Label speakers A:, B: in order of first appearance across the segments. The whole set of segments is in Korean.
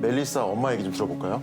A: 멜리사 엄마 얘기 좀 들어볼까요?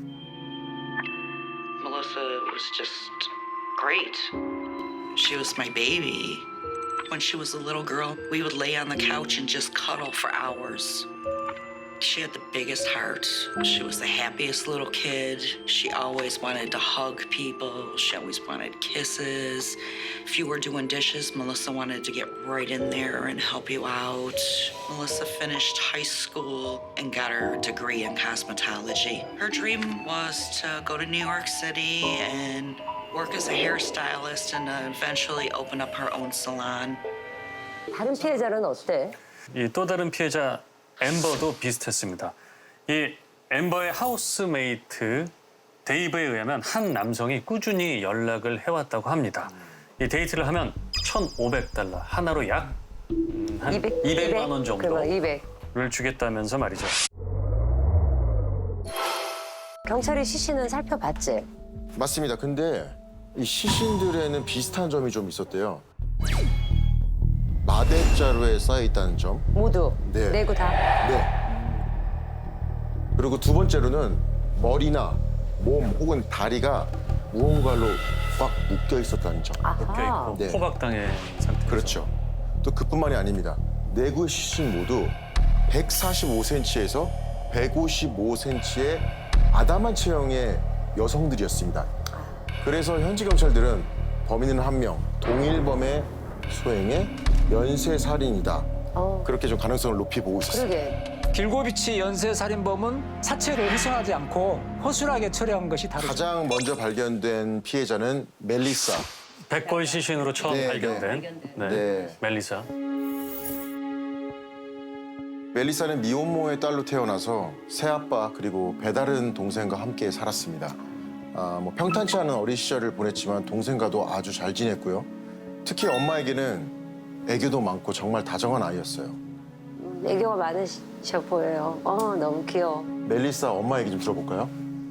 B: Melissa was just great. She was my baby. When she was a little girl, we would lay on the couch and just cuddle for hours. She had the biggest heart. She was the happiest little kid. She always wanted to hug people. She always wanted kisses. If you were doing dishes, Melissa wanted to get right in there and help you out. Melissa finished high school and got her degree in cosmetology. Her dream was to go to New York City and work as a hairstylist and eventually open up her own salon.
C: 다른 피해자는 어때?
D: 이 또 다른 피해자 엠버도 비슷했습니다. 이 엠버의 하우스메이트 데이브에 의하면 한 남성이 꾸준히 연락을 해왔다고 합니다. 이 데이트를 하면 1,500달러, 하나로 약 한 200만 원
C: 그러면 200.
D: 정도를 주겠다면서 말이죠.
C: 경찰이 시신은 살펴봤지?
A: 맞습니다. 근데 이 시신들에는 비슷한 점이 좀 있었대요. 마대자루에 쌓여있다는 점.
C: 모두?
A: 네.
C: 내구 다?
A: 네. 그리고 두 번째로는 머리나 몸 혹은 다리가 무언가로 꽉 묶여 있었다는 점.
C: 아하.
D: 묶여있고
A: 네.
D: 포박당한 상태.
A: 그렇죠. 또 그뿐만이 아닙니다. 내구의 시신 모두 145cm에서 155cm의 아담한 체형의 여성들이었습니다. 그래서 현지 경찰들은 범인은 한 명, 동일범의 소행의 연쇄살인이다. 그렇게 좀 가능성을 높이 보고 있었어요.
C: 그러게.
E: 길고비치 연쇄살인범은 사체를 훼손하지 않고 허술하게 처리한 것이 다르죠.
A: 가장 먼저 발견된 피해자는 멜리사.
D: 백골 시신으로 처음
A: 네,
D: 발견된
A: 네.
D: 멜리사.
A: 멜리사는 미혼모의 딸로 태어나서 새아빠 그리고 배다른 동생과 함께 살았습니다. 평탄치 않은 어린 시절을 보냈지만 동생과도 아주 잘 지냈고요. 특히 엄마에게는 애교도 많고 정말 다정한 아이였어요.
C: 애교가 많으셔 보여요. 너무 귀여워.
A: 멜리사 엄마 얘기 좀 들어볼까요?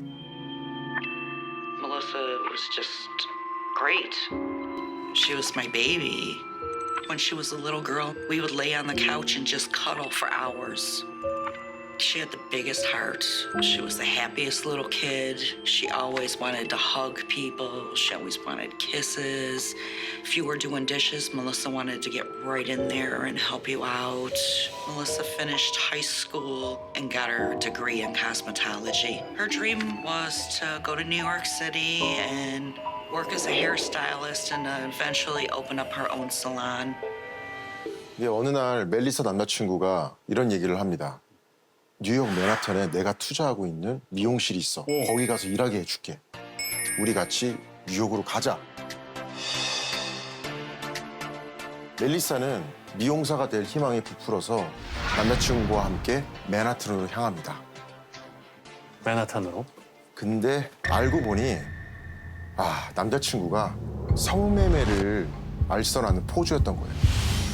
B: Melissa was just great. She was my baby. When she was a little girl, we would lay on the couch and just cuddle for hours. She had the biggest heart. She was the happiest little kid. She always wanted to hug people. She always wanted kisses. If you were doing dishes, Melissa wanted to get right in there and help you out. Melissa finished high school and got her degree in cosmetology. Her dream was to go to New York City and work as a hairstylist and eventually open up her own salon.
A: 근데 어느 날 멜리사 남자친구가 이런 얘기를 합니다. 뉴욕 맨하탄에 내가 투자하고 있는 미용실이 있어. 거기 가서 일하게 해줄게. 우리 같이 뉴욕으로 가자. 멜리사는 미용사가 될 희망이 부풀어서 남자친구와 함께 맨하탄으로 향합니다.
D: 맨하탄으로.
A: 근데 알고 보니 남자친구가 성매매를 알선하는 포주였던 거예요.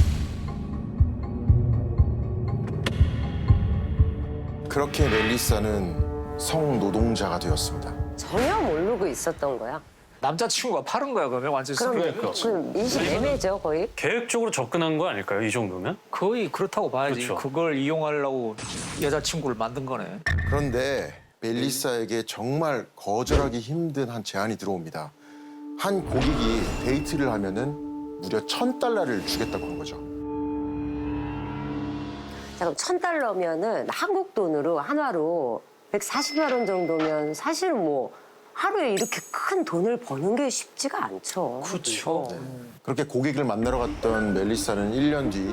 A: 그렇게 멜리사는 성노동자가 되었습니다.
C: 전혀 모르고 있었던 거야.
E: 남자친구가 파는 거야, 그러면 완전
C: 그럼 인식 애매죠, 거의?
D: 계획적으로 접근한 거 아닐까요? 이 정도면?
E: 거의 그렇다고 봐야지.
D: 그렇죠.
E: 그걸 이용하려고 여자친구를 만든 거네.
A: 그런데 멜리사에게 정말 거절하기 힘든 한 제안이 들어옵니다. 한 고객이 데이트를 하면은 무려 $1,000를 주겠다고 한 거죠.
C: 자, 그럼 $1,000면은 한국 돈으로 한화로 140만 원 정도면 사실은 뭐 하루에 이렇게 큰 돈을 버는 게 쉽지가 않죠.
E: 그렇죠.
A: 그렇게 고객을 만나러 갔던 멜리사는 1년 뒤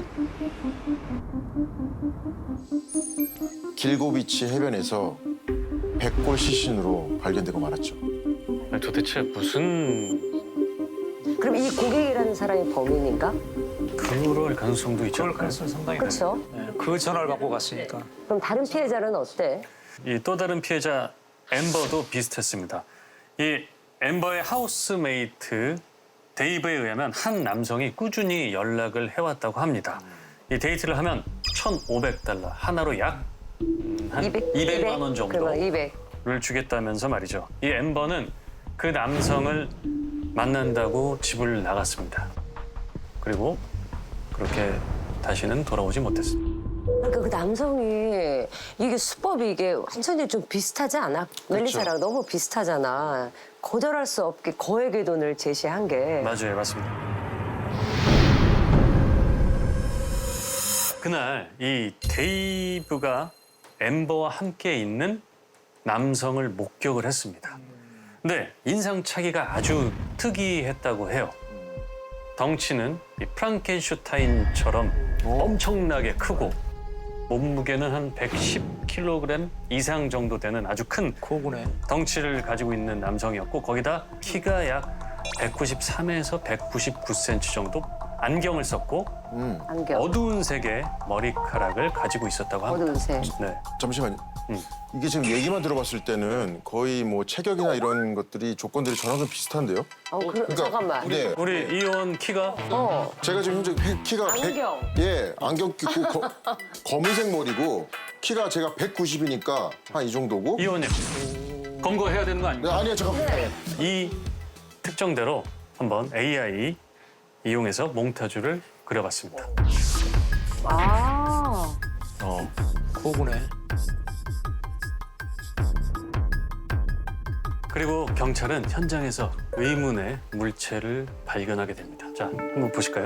A: 길고비치 해변에서 백골 시신으로 발견되고 말았죠.
D: 아니, 도대체 무슨
C: 그럼 이 고객이라는 사람이 범인인가?
D: 그럴 가능성도 있지
E: 그럴
D: 않을까요?
E: 가능성이 상당히
C: 그렇죠.
E: 네, 그 전화를 갖고 갔으니까.
C: 그럼 다른 피해자는 어때?
D: 이 또 다른 피해자 엠버도 비슷했습니다. 이 엠버의 하우스메이트 데이브에 의하면 한 남성이 꾸준히 연락을 해왔다고 합니다. 이 데이트를 하면 1,500달러, 하나로 약 한 200만 원
C: 그러면 200.
D: 정도를 주겠다면서 말이죠. 이 엠버는 그 남성을 만난다고 집을 나갔습니다. 그리고 그렇게 다시는 돌아오지 못했습니다.
C: 그러니까 그 남성이 이게 수법이 이게 완전히 좀 비슷하지 않아? 멜리사랑 너무 비슷하잖아. 거절할 수 없게 거액의 돈을 제시한 게.
D: 맞아요, 맞습니다. 그날 이 데이브가 엠버와 함께 있는 남성을 목격을 했습니다. 근데 인상착의가 아주 특이했다고 해요. 덩치는 이 프랑켄슈타인처럼 엄청나게 크고 몸무게는 한 110kg 이상 정도 되는 아주 큰
E: 고구네.
D: 덩치를 가지고 있는 남성이었고 거기다 키가 약 193에서 199cm 정도 안경을 썼고
C: 안경.
D: 어두운 색의 머리카락을 가지고 있었다고 합니다.
C: 어두운 색.
D: 네.
A: 잠시만요. 이게 지금 얘기만 들어봤을 때는 거의 뭐 체격이나 이런 것들이 조건들이 저랑 좀 비슷한데요?
C: 잠깐만.
A: 네.
D: 우리 이혼 키가
A: 제가 지금 현재 키가
C: 안경.
A: 예, 안경 끼고 검은색 머리고 키가 제가 190이니까 한 이 정도고.
D: 이혼님 검거해야 되는 거
A: 네,
D: 아닙니까?
A: 아니요, 잠깐만.
D: 이 특정대로 한번 AI 이용해서 몽타주를 그려봤습니다.
C: 아.
E: 고구네.
D: 그리고 경찰은 현장에서 의문의 물체를 발견하게 됩니다. 자, 한번 보실까요?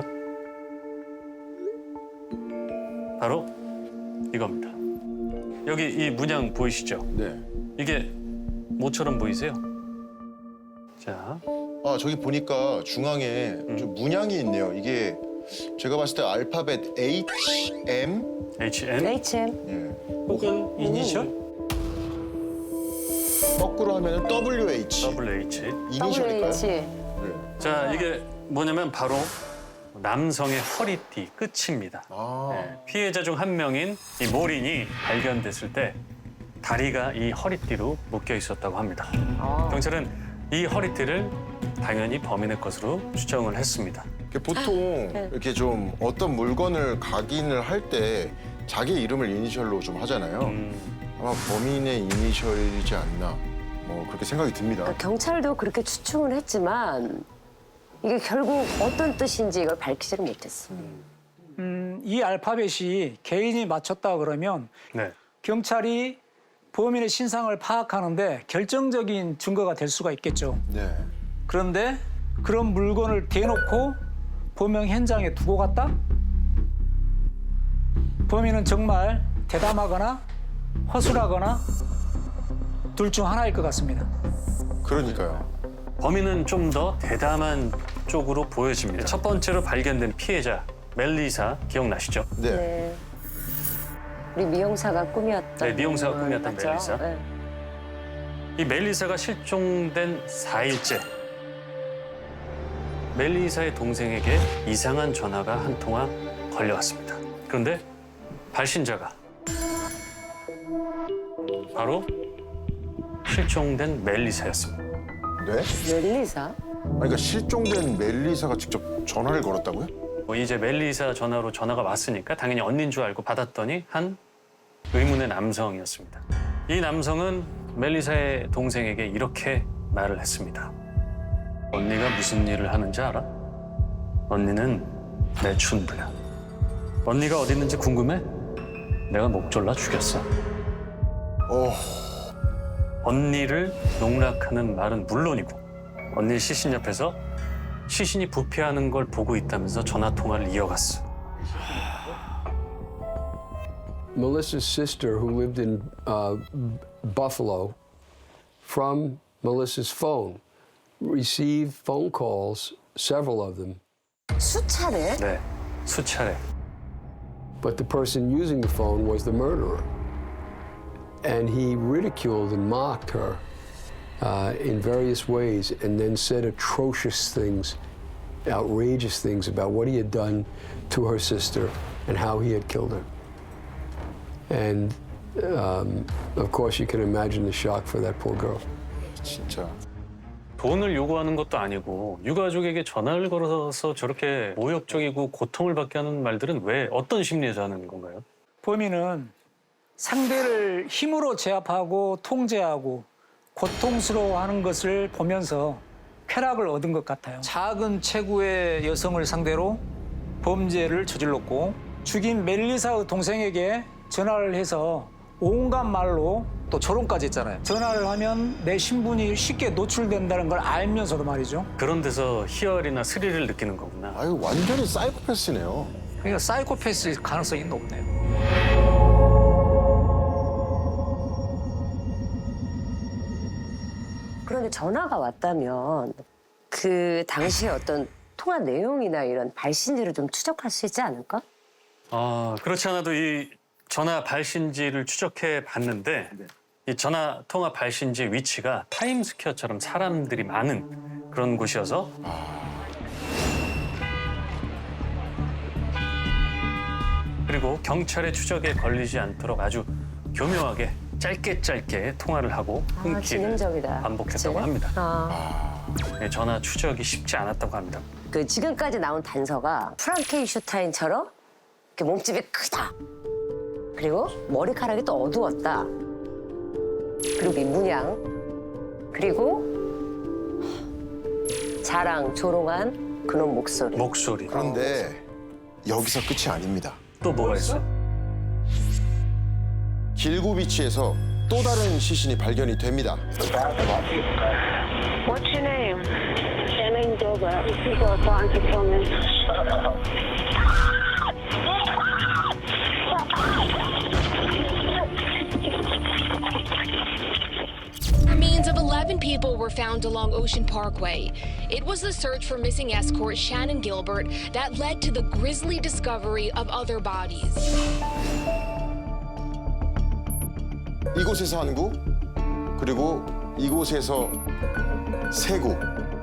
D: 바로 이겁니다. 여기 이 문양 보이시죠?
A: 네.
D: 이게 뭐처럼 보이세요? 자,
A: 아, 저기 보니까 중앙에 좀 문양이 있네요. 이게 제가 봤을 때 알파벳 HM?
D: HN
C: H&M.
A: 예.
D: 혹은 이니셜
A: 거꾸로 하면 WH.
D: WH.
A: 이니셜일까요?
C: WH.
A: 네.
D: 자, 이게 뭐냐면 바로 남성의 허리띠 끝입니다.
A: 아.
D: 네, 피해자 중 한 명인 이 모린이 발견됐을 때 다리가 이 허리띠로 묶여 있었다고 합니다. 경찰은 이 허리띠를 당연히 범인의 것으로 추정을 했습니다.
A: 보통 이렇게 좀 어떤 물건을 각인을 할 때 자기 이름을 이니셜로 좀 하잖아요. 아마 범인의 이니셜이지 않나 뭐 그렇게 생각이 듭니다.
C: 그러니까 경찰도 그렇게 추측을 했지만 이게 결국 어떤 뜻인지 이걸 밝히지를 못했어.
E: 이 알파벳이 개인이 맞췄다 그러면
D: 네.
E: 경찰이 범인의 신상을 파악하는데 결정적인 증거가 될 수가 있겠죠.
A: 네.
E: 그런데 그런 물건을 대놓고 범행 현장에 두고 갔다? 범인은 정말 대담하거나 허술하거나 둘 중 하나일 것 같습니다.
A: 그러니까요.
D: 범인은 좀 더 대담한 쪽으로 보여집니다. 첫 번째로 발견된 피해자 멜리사 기억나시죠?
A: 네.
C: 네. 우리 미용사가 꿈이었던.
D: 네, 미용사가 꿈이었던
C: 맞죠?
D: 멜리사.
C: 네.
D: 이 멜리사가 실종된 4일째 멜리사의 동생에게 이상한 전화가 한 통화 걸려왔습니다. 그런데 발신자가 바로 실종된 멜리사였습니다.
A: 네?
C: 멜리사?
A: 아니, 그러니까 실종된 멜리사가 직접 전화를 걸었다고요?
D: 이제 멜리사 전화로 전화가 왔으니까 당연히 언니인 줄 알고 받았더니 한 의문의 남성이었습니다. 이 남성은 멜리사의 동생에게 이렇게 말을 했습니다. 언니가 무슨 일을 하는지 알아? 언니는 내 춘부야. 언니가 어디 있는지 궁금해? 내가 목 졸라 죽였어. 언니를 농락하는 말은 물론이고 언니 시신 옆에서 시신이 부패하는 걸 보고 있다면서 전화 통화를 이어갔어.
F: Melissa's sister, who lived in Buffalo, from Melissa's phone, received phone calls, several of them,
C: 수차례?
D: 네, 수차례.
F: but the person using the phone was the murderer. And he ridiculed and mocked her in various ways and then said atrocious things, outrageous things about what he had done to her sister and how he had killed her. And of course, you can imagine the shock for that poor girl.
A: 진짜.
D: 돈을 요구하는 것도 아니고 유가족에게 전화를 걸어서 저렇게 모욕적이고 고통을 받게 하는 말들은 왜 어떤 심리에서 하는 건가요?
E: 범인은 상대를 힘으로 제압하고 통제하고 고통스러워하는 것을 보면서 쾌락을 얻은 것 같아요. 작은 체구의 여성을 상대로 범죄를 저질렀고 죽인 멜리사의 동생에게 전화를 해서 온갖 말로
G: 또 조롱까지 했잖아요.
E: 전화를 하면 내 신분이 쉽게 노출된다는 걸 알면서도 말이죠.
D: 그런 데서 희열이나 스릴을 느끼는 거구나.
A: 아유, 완전히 사이코패스네요.
G: 그러니까 사이코패스 가능성이 높네요.
C: 그런데 전화가 왔다면 그 당시에 어떤 통화 내용이나 이런 발신지를 좀 추적할 수 있지 않을까?
D: 그렇지 않아도 이 전화 발신지를 추적해 봤는데 이 전화 통화 발신지의 위치가 타임스퀘어처럼 사람들이 많은 그런 곳이어서 그리고 경찰의 추적에 걸리지 않도록 아주 교묘하게 짧게 통화를 하고 끊기를
C: 지능적이다.
D: 반복했다고
C: 그치?
D: 합니다. 네, 전화 추적이 쉽지 않았다고 합니다.
C: 그 지금까지 나온 단서가 프랑켄슈타인처럼 이렇게 몸집이 크다. 그리고 머리카락이 또 어두웠다. 그리고 이 문양. 그리고 자랑, 조롱한 그런 목소리.
D: 목소리.
A: 그런데 여기서 끝이 아닙니다.
D: 또 뭐가 있어?
A: 길고비치에서 또 다른 시신이 발견이 됩니다.
H: What's your name? Shannon Gilbert. People are trying to kill me.
I: Remains of 11 people were found along Ocean Parkway. It was the search for missing escort Shannon Gilbert that led to the grisly discovery of other bodies.
A: 이곳에서 한 구, 그리고 이곳에서 세 구.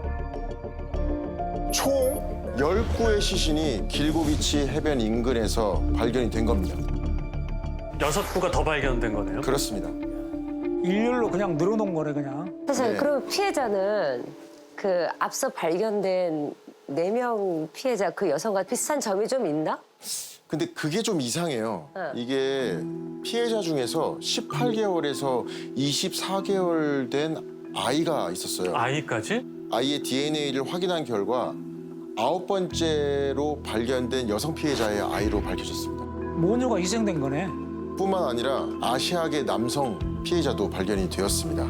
A: 총 10구의 시신이 길고비치 해변 인근에서 발견이 된 겁니다.
D: 6구가 더 발견된 거네요.
A: 그렇습니다.
E: 일렬로 그냥 늘어놓은 거네 그냥.
C: 사실
A: 네.
C: 그럼 피해자는 그 앞서 발견된 4명 피해자 그 여성과 비슷한 점이 좀 있나?
A: 근데 그게 좀 이상해요. 이게 피해자 중에서 18개월에서 24개월 된 아이가 있었어요.
D: 아이까지?
A: 아이의 DNA를 확인한 결과 9번째로 발견된 여성 피해자의 아이로 밝혀졌습니다.
E: 모녀가 희생된 거네.
A: 뿐만 아니라 아시아계 남성 피해자도 발견이 되었습니다.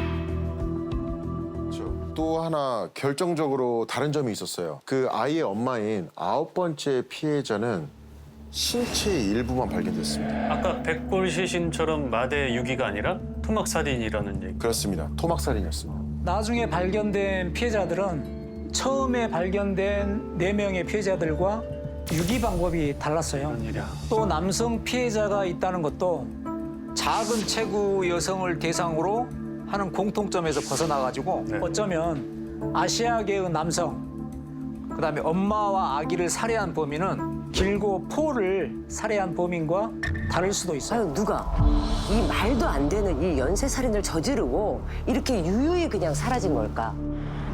A: 그렇죠. 또 하나 결정적으로 다른 점이 있었어요. 그 아이의 엄마인 9번째 피해자는 신체의 일부만 발견됐습니다.
D: 아까 백골 시신처럼 마대 유기가 아니라 토막살인이라는 얘기.
A: 그렇습니다. 토막살인이었습니다.
E: 나중에 발견된 피해자들은 처음에 발견된 4명의 피해자들과 유기 방법이 달랐어요.
D: 웬일이야.
E: 또 남성 피해자가 있다는 것도 작은 체구 여성을 대상으로 하는 공통점에서 벗어나가지고
D: 네.
E: 어쩌면 아시아계의 남성, 그다음에 엄마와 아기를 살해한 범인은 길고 포를 살해한 범인과 다를 수도 있어요.
C: 아유 누가 이 말도 안 되는 이 연쇄살인을 저지르고 이렇게 유유히 그냥 사라진 걸까?